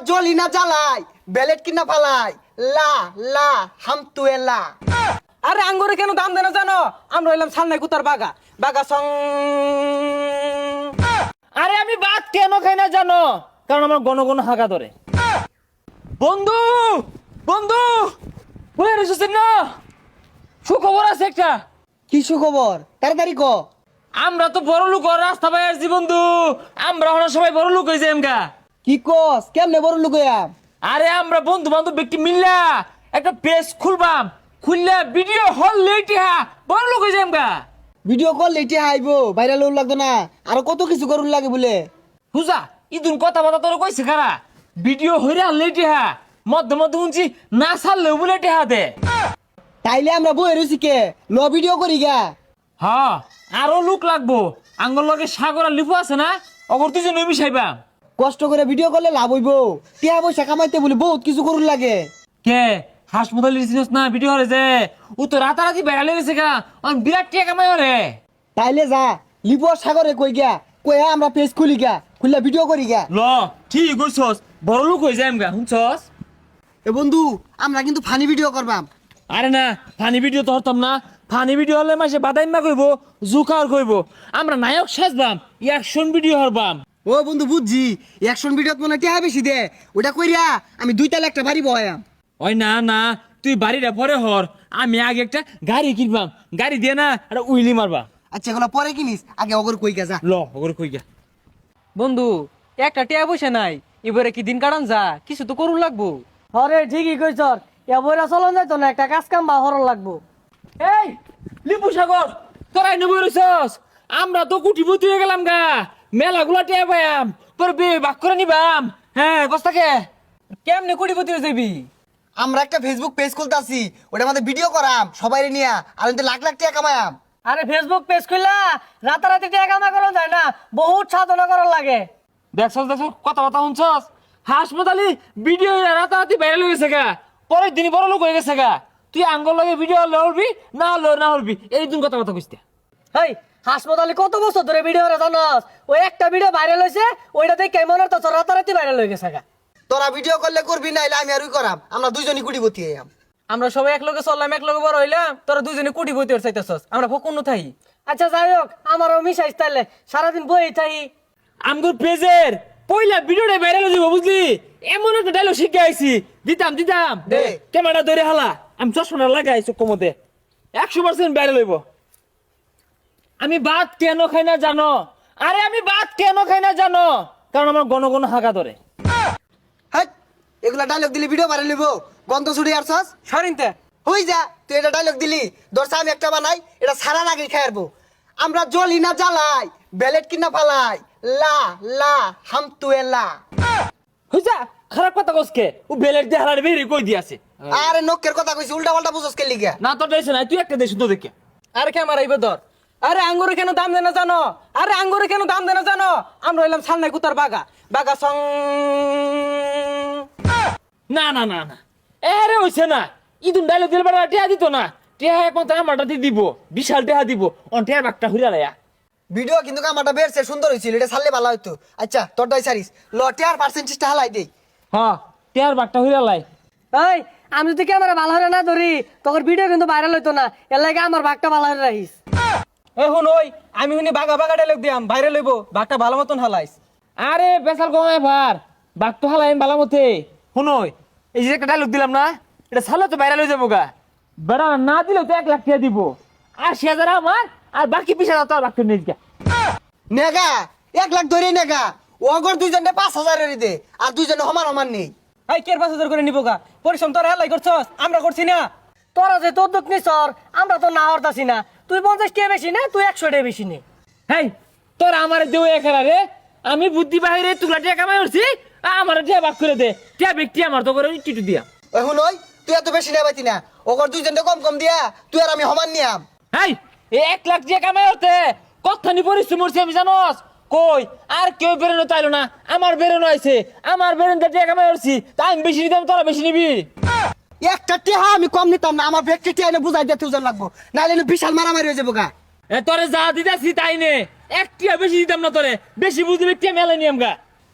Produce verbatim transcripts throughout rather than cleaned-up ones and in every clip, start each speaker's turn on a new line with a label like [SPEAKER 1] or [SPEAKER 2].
[SPEAKER 1] জলি না জ্বালাই বেলেট কিনা ফালাই লা লা হাম তুয়ে লা।
[SPEAKER 2] আরে আঙ্গুরে কেন দাম দেনা জানো? আমরা হইলাম সালনাই কুতার বাগা বাগা সং।
[SPEAKER 3] আরে আমি ভাত কেন খাই না জানো? কারণ আমার গণ গণ হাগা ধরে। বন্ধু বন্ধু বলে রেসেছেন না, সুখবর আছে একটা।
[SPEAKER 1] কি সুখবর তাড়াতাড়ি ক।
[SPEAKER 3] আমরা তো বড় লোক রাস্তা পাই আসছি বন্ধু, আমরা হলো সবাই বড় লোক হয়েছে এমকা।
[SPEAKER 1] কি কস কেমনে বড় লোক হইয়া?
[SPEAKER 3] আরে আমরা বন্ধু বান্ধব ব্যক্তি মিললা একটা পেজ খুলবাম, খুললে ভিডিও হল লেটিয়া বড় লোক হয়েছে এমকা।
[SPEAKER 1] ভিডিও কল লেটে আইবো, ভাইরাল হল লাগতো না, আরো কত কিছু করুন লাগে বলে।
[SPEAKER 3] হুজা ইদুন কথা বাতা তোর কইছে খারা ভিডিও হইরা লেটিয়া মধ্যে মধ্যে শুনছি না ছাড়লেও বলে টেহা দে।
[SPEAKER 1] তাইলে আমরা বই রয়েছি কে ল ভিডিও করি গা।
[SPEAKER 3] হ্যাঁ আরো লোক লাগবো, আঙ্গল লগে সাগর আর লিপু আছে না, অগর তুই যে নবী সাইবা।
[SPEAKER 1] কষ্ট করে ভিডিও করলে লাভ হইবো, টিয়া পয়সা কামাইতে বলে বহুত কিছু করুন লাগে।
[SPEAKER 3] কে হাসপাতাল লিছিস না ভিডিও হরে যে ও তো রাতারাতি বেড়া লেগেছে গা, অন বিরাট টিয়া কামাই হরে।
[SPEAKER 1] তাইলে যা লিপু আর সাগরে কই গা, কইয়া আমরা পেজ খুলি গা, খুললে ভিডিও করি গা।
[SPEAKER 3] ল ঠিক কইছস, বড় লোক হয়ে যায় গা শুনছস।
[SPEAKER 1] এ বন্ধু আমরা কিন্তু ফানি ভিডিও করবাম।
[SPEAKER 3] আরে না ফানি ভিডিও তো হরতাম না, ফানি ভিডিও হলে মাসে বাদাইমা কইব জুকার কইব, আমরা নায়ক সাজবাম অ্যাকশন ভিডিও হরবাম।
[SPEAKER 1] ও বন্ধু বুঝছি, অ্যাকশন ভিডিওত মনে টিয়া বেশি দে, ওটা কইরা আমি দুই তালে একটা বাড়ি বহায়াম।
[SPEAKER 3] ওই না না তুই বাড়িটা পরে হর, আমি আগে একটা গাড়ি কিনবাম, গাড়ি দিয়ে না একটা উইলি মারবা।
[SPEAKER 1] আচ্ছা এগুলো পরে কিনিস, আগে অগর কই গা যা।
[SPEAKER 3] ল ওগরে কই গা।
[SPEAKER 2] বন্ধু একটা টিয়া বসে নাই, এবারে কি দিন কাটান যা, কিছু তো করুন লাগবো।
[SPEAKER 4] হরে ঠিকই কইছ, এবারে চলন যাইতো না, একটা কাজ কাম বা হরণ লাগবো।
[SPEAKER 3] এই লিপু সাগর তোরাই নেবো রইছস, আমরা তো কুটিপতি হয়ে গেলাম গা, মেলা গুলা টিয়া পাইয়াম, তোর বিয়ে বাক করে নিবাম। হ্যাঁ কস্তাকে
[SPEAKER 2] কেমনে কোটিপতি হয়ে যাবি?
[SPEAKER 1] আমরা একটা ফেসবুক পেজ খুলতাছি, ওটা আমাদের ভিডিও করাম সবাই নিয়া, আর কিন্তু লাখ লাখ টাকা কামায়াম।
[SPEAKER 4] আরে ফেসবুক পেজ খুললা রাতারাতি টাকা কামাই করা যায় না, বহুত সাধনা করার লাগে।
[SPEAKER 3] দেখছস দেখছস কথা কথা শুনছস, হাসপাতালি ভিডিও রাতারাতি ভাইরাল হয়ে গেছে গা, পরের দিনই বড় লোক হয়ে গেছে গা। তুই আঙ্গল লগে ভিডিও লড়বি না লড় না হরবি, এই দিন কথা কথা কইতে।
[SPEAKER 4] হেই হাসপাতালে কত বছর ধরে ভিডিও রে জানাস, ওই একটা ভিডিও ভাইরাল হয়েছে, ওইটা দেখে কেমন তো রাতারাতি ভাইরাল হয়ে গেছে গা।
[SPEAKER 1] তোরা ভিডিও করলে করবি না, আমি আর ওই করাম, আমরা দুইজনই কুটিপতি হইয়াম।
[SPEAKER 2] আমরা সবাই এক লগে চললাম, এক লগে বড় হইলাম, তোরা দুজনে কোটিপতি হতে চাইতেছস, আমরা ফকুন থাই।
[SPEAKER 4] আচ্ছা যাই হোক, আমারও মিশাইস তাইলে, সারাদিন বই থাই।
[SPEAKER 3] আমগো পেজের পয়লা ভিডিওটা ভাইরাল হয়ে যাবো বুঝলি, এমন একটা ডায়লগ শিখে আইছি, দিতাম দিতাম
[SPEAKER 1] দে।
[SPEAKER 3] ক্যামেরা ধরে হালা, আমি চশমা লাগাই চোখ মধ্যে, একশো পার্সেন্ট ভাইরাল হইব। আমি ভাত কেন খাই না জানো? আরে আমি ভাত কেন খাই না জানো? কারণ আমার গণ গণ হাগা ধরে।
[SPEAKER 1] হ্যাঁ এগুলা ডায়লগ দিলি ভিডিও বানাই লিব, গন্ধ ছুড়ি আর সস
[SPEAKER 2] সরিনতে
[SPEAKER 1] হই যা। তুই এটা ডায়লগ দিলি, দর্শা আমি একটা বানাই, এটা সারা নাকি খাইরবো। আমরা জলি না জ্বালাই বেলেট কিনা ফালাই লা লা হাম তুয়ে লা।
[SPEAKER 3] হইছা খারাপ কথা কসকে, ও বেলের দিয়ে হালার বেরি কই দিয়াছে।
[SPEAKER 1] আরে নকের কথা কইছি, উল্টা পাল্টা বুঝছস কে লিগা?
[SPEAKER 3] না তোর দেশ নাই, তুই একটা দেশ তো দেখে।
[SPEAKER 2] আরে ক্যামেরা আইবে ধর। আরে আঙ্গুরে কেন দাম দেনা জানো? আরে আঙ্গুরে কেন দাম দেনা জানো? আমরা হইলাম সালনাই কুতার বাগা বাগা সং।
[SPEAKER 3] না না না না এরে হইছে না, ইদুন ডায়লগ দিলে বেড়া টিয়া দিত না, টিয়া একমাত্র আমারটা দিয়ে দিব, বিশাল টিয়া দিব, অন টিয়ার বাগটা হুইরা লাইয়া।
[SPEAKER 1] ভিডিও কিন্তু কামাটা বেরছে সুন্দর হইছিল, এটা ছাড়লে ভালো হইতো। আচ্ছা তোরটাই সারিস, লটে আর পার্সেন্টেজটা হালাই দেই।
[SPEAKER 3] হ্যাঁ টিয়ার বাগটা হুইরা লাই।
[SPEAKER 4] এই আমি যদি ক্যামেরা ভালো হলে না ধরি, তখন ভিডিও কিন্তু ভাইরাল হইতো না, এর লাগে আমার ভাগটা ভালো হয়ে রাখিস।
[SPEAKER 2] এ হুন ওই আমি হুনি বাগা বাগা ডায়লগ দিয়াম, বাইরে লইব বাগটা ভালো মতন হালাইস।
[SPEAKER 3] আরে বেসাল কমায় ভার বাঘ তো হালাই বালা মতে শুনই, এই যে একটা ডায়লগ দিলাম না, এটা ছাড়লে তো ভাইরাল হয়ে যাবো গা। বেড়া না দিলেও তো এক লাখ টাকা দিব, আশি হাজার আমার আর বাকি বিশ হাজার তোর বাঘটা নিয়ে যা।
[SPEAKER 1] নেগা এক লাখ ধরে নেগা, ওগর দুইজনে পাঁচ হাজারের দে, আর দুইজনে সমান সমান নেই।
[SPEAKER 2] এই কের পাঁচ হাজার করে নিব গা, পরিশ্রম তোরা হেলাই করছস, আমরা করছি না।
[SPEAKER 4] তোরা যে তোর দুঃখ নিছর, আমরা তো না হরতাছি না। তুই পঞ্চাশ টাকা বেশি নে, তুই একশো টাকা বেশি নে।
[SPEAKER 3] হেই তোর আমার দেও এখানে রে, আমি বুদ্ধি বাহিরে তুলা টিয়া কামাই করছি, আমার টিয়া বাক করে দে, টিয়া ব্যক্তি আমার তো করে টিটু দিয়া।
[SPEAKER 1] এখন ওই তুই এত বেশি নেই পাইতি না, ওগর দুইজনে কম কম দিয়া, তুই আর আমি সমান নিয়াম।
[SPEAKER 3] হেই এই এক লাখ টিয়া কামাই হতে কতখানি পরিশ্রম করছি আমি জানোস? কই আর কেউ বেরোনো তাইলো না, আমার বেরোনো আইছে, আমার বেরোনো টিয়া কামাই করছি, তাই আমি বেশি নিতাম তোরা বেশি নিবি।
[SPEAKER 1] একটা টিহা আমি কম নিতাম না, আমার ব্যক্তি টিহা এনে বুঝাই দিতে ওজন লাগবো, নাহলে বিশাল মারামারি হয়ে যাবো গা।
[SPEAKER 3] এ তোরে যা দিতাছি তাই নে, এক টিয়া বেশি দিতাম না তোরে, বেশি বুঝলি টিয়া মেলা নিয়ম গা।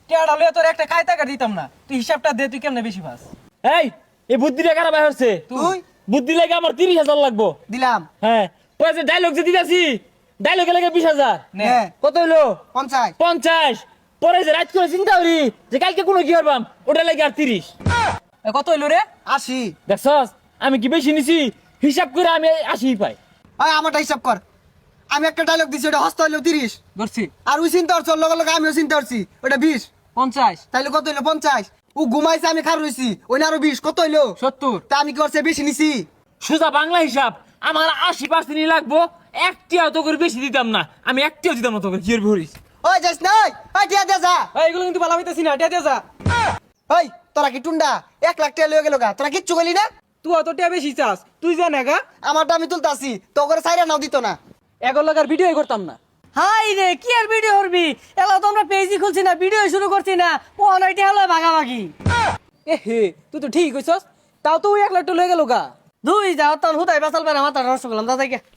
[SPEAKER 2] টেয়াটা লইয়া তোর একটা কায়তা কাট দিতাম না তুই হিসাবটা দে তুই কেমনে বেশি পাস
[SPEAKER 3] এই এই বুদ্ধিটা কারা বাইর হচ্ছে
[SPEAKER 1] তুই
[SPEAKER 3] বুদ্ধি লাগে আমার তিরিশ হাজার লাগবো
[SPEAKER 1] দিলাম
[SPEAKER 3] হ্যাঁ পয়সা ডায়লগ যে দিতেছি ডায়লগে লাগে বিশ হাজার
[SPEAKER 2] নে
[SPEAKER 1] হ্যাঁ
[SPEAKER 3] কত হইলো
[SPEAKER 1] পঞ্চাশ
[SPEAKER 3] পঞ্চাশ পরে যে রাত করে চিন্তা করি যে কালকে কোনো কি করবাম ওটা লাগে আর তিরিশ
[SPEAKER 2] এ, কত হইলো রে
[SPEAKER 1] আশি।
[SPEAKER 3] দেখছস আমি কি বেশি নিছি হিসাব করে আমি আশি পাই
[SPEAKER 1] ওই আমারটা হিসাব কর, আমি একটা ডায়লগ দিছি ওটা হস্ত হইলো তিরিশ,
[SPEAKER 2] ধরছি
[SPEAKER 1] আর ওই চিন্তা করছি ওর লগে লগে আমিও চিন্তা করছি ওটা বিশ,
[SPEAKER 2] পঞ্চাশ
[SPEAKER 1] তাইলে কত হইলো পঞ্চাশ। ও ঘুমাইছে আমি খার রইছি ওই না আরো বিশ, কত হইলো
[SPEAKER 2] সত্তর
[SPEAKER 1] তা আমি কি করছে বেশি নিছি।
[SPEAKER 3] সোজা বাংলা হিসাব আমার আশি পার্সেন্টই লাগবো একটিও তো করে বেশি দিতাম না আমি একটিও দিতাম না তোকে কি করবি হরিস
[SPEAKER 1] ওই যাস নাই, ওই টিয়া দে যা।
[SPEAKER 2] এই, এগুলো কিন্তু ভালো হইতেছি না টিয়া দিয়ে যা
[SPEAKER 1] ওই তোরা কি টুন্ডা এক লাখ টাকা লয়ে গেল গা, তোরা কিচ্ছু কইলি না।
[SPEAKER 2] তুই অত টিয়া বেশি চাস তুই জান গা
[SPEAKER 1] আমারটা আমি তুলতাছি তো করে সাইরা নাও দিত না।
[SPEAKER 2] এগুলো লাগার ভিডিও করতাম না
[SPEAKER 4] হাই রে কি আর ভিডিও করবি এলা তো আমরা পেজই খুলছি না ভিডিও শুরু করছি না ও অনলাইনে হলো ভাগাভাগি
[SPEAKER 2] এ হে তুই তো ঠিক কইছস তাও তো ওই এক লাখ টাকা লয়ে গেল গা
[SPEAKER 4] দুই যাও তখন হুদাই বাসাল পারে মাথা নষ্ট করলাম দাদা